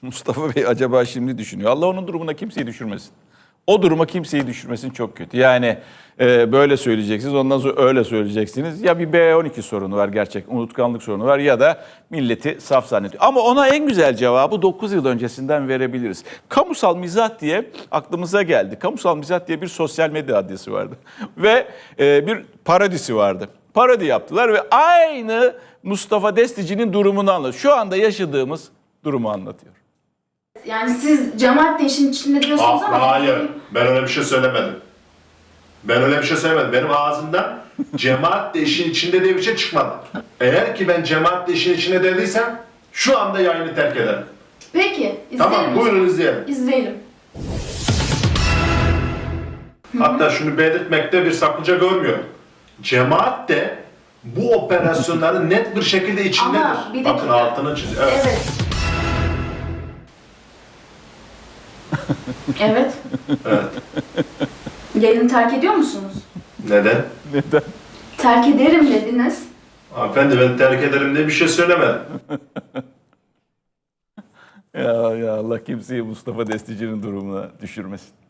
Mustafa Bey acaba şimdi düşünüyor. Allah onun durumuna kimseyi düşürmesin. O duruma kimseyi düşürmesin çok kötü. Yani böyle söyleyeceksiniz, ondan sonra öyle söyleyeceksiniz. Ya bir B12 sorunu var gerçek, unutkanlık sorunu var ya da milleti saf zannediyor. Ama ona en güzel cevabı 9 yıl öncesinden verebiliriz. Kamusal mizah diye aklımıza geldi. Kamusal mizah diye bir sosyal medya adresi vardı. Ve bir parodisi vardı. Parodi yaptılar ve aynı Mustafa Destici'nin durumunu anlatıyor. Şu anda yaşadığımız durumu anlatıyor. Yani siz cemaat de işin içinde diyorsunuz ama... Hayır, ben öyle bir şey söylemedim. Ben öyle bir şey söylemedim. Benim ağzımdan cemaat de işin içinde diye bir şey çıkmadı. Eğer ki ben cemaat de işin içinde dediysem şu anda yayını terk ederim. Peki, izleyelim. Tamam, buyurun izleyelim. İzleyelim. Hatta şunu belirtmekte bir sakınca görmüyorum. Cemaat de bu operasyonların net bir şekilde içindedir. Ama bir Bakın dakika. altını çiz. Evet. Evet. Evet. Evet. Yayını terk ediyor musunuz? Neden? Neden? Terk ederim dediniz. Hanımefendi ben terk ederim diye bir şey söylemedim. Ya Allah kimseyi Mustafa Destici'nin durumuna düşürmesin.